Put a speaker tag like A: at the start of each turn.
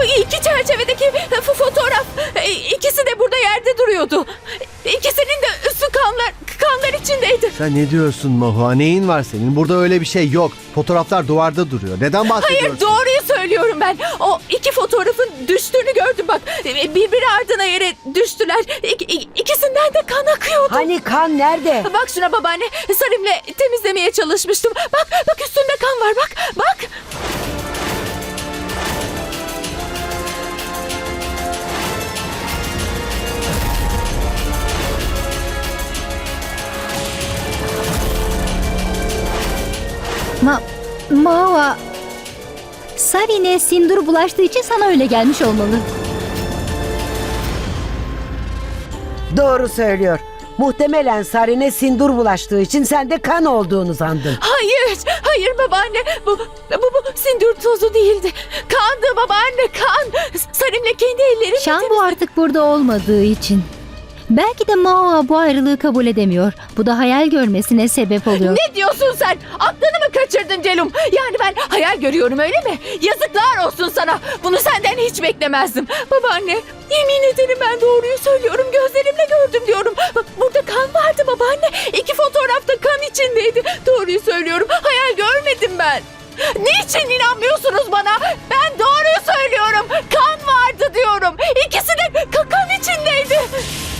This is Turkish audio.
A: iki çerçevedeki fotoğraf. İkisi de burada yerde duruyordu. İkisinin de üstü kanlar içindeydi.
B: Sen ne diyorsun Mahua? Neyin var senin? Burada öyle bir şey yok. Fotoğraflar duvarda duruyor. Neden bahsediyorsun?
A: Hayır, doğruyu söylüyorum ben. O iki fotoğrafın düştüğünü gördüm bak. Birbiri ardına yere düştüler. İkisinden de kan akıyordu.
C: Hani kan nerede?
A: Bak şuna babaanne. Sarim'le temizlemeye çalışmıştım. Bak üstünde kan var, bak.
D: Mahua, Sarin'e sindur bulaştığı için sana öyle gelmiş olmalı.
C: Doğru söylüyor. Muhtemelen Sarin'e sindur bulaştığı için sen de kan olduğunu sandın.
A: Hayır babaanne. Bu sindir tozu değildi. Kandı babaanne, kan. Sarim'le kendi ellerimle
D: Şambu artık burada olmadığı için. Belki de Mahua bu ayrılığı kabul edemiyor. Bu da hayal görmesine sebep oluyor.
A: Ne diyorsun sen? Aklını mı kaçırdın Celum? Yani ben hayal görüyorum, öyle mi? Yazıklar olsun sana. Bunu senden hiç beklemezdim. Babaanne, yemin ederim ben doğruyu söylüyorum. Gözlerimle gördüm diyorum. Bak, burada kan vardı babaanne. İki fotoğrafta kan içindeydi. Doğruyu söylüyorum. Hayal görmedim ben. Niçin inanmıyorsunuz bana? Ben doğruyu söylüyorum. Kan vardı diyorum. İkisi de kan içindeydi.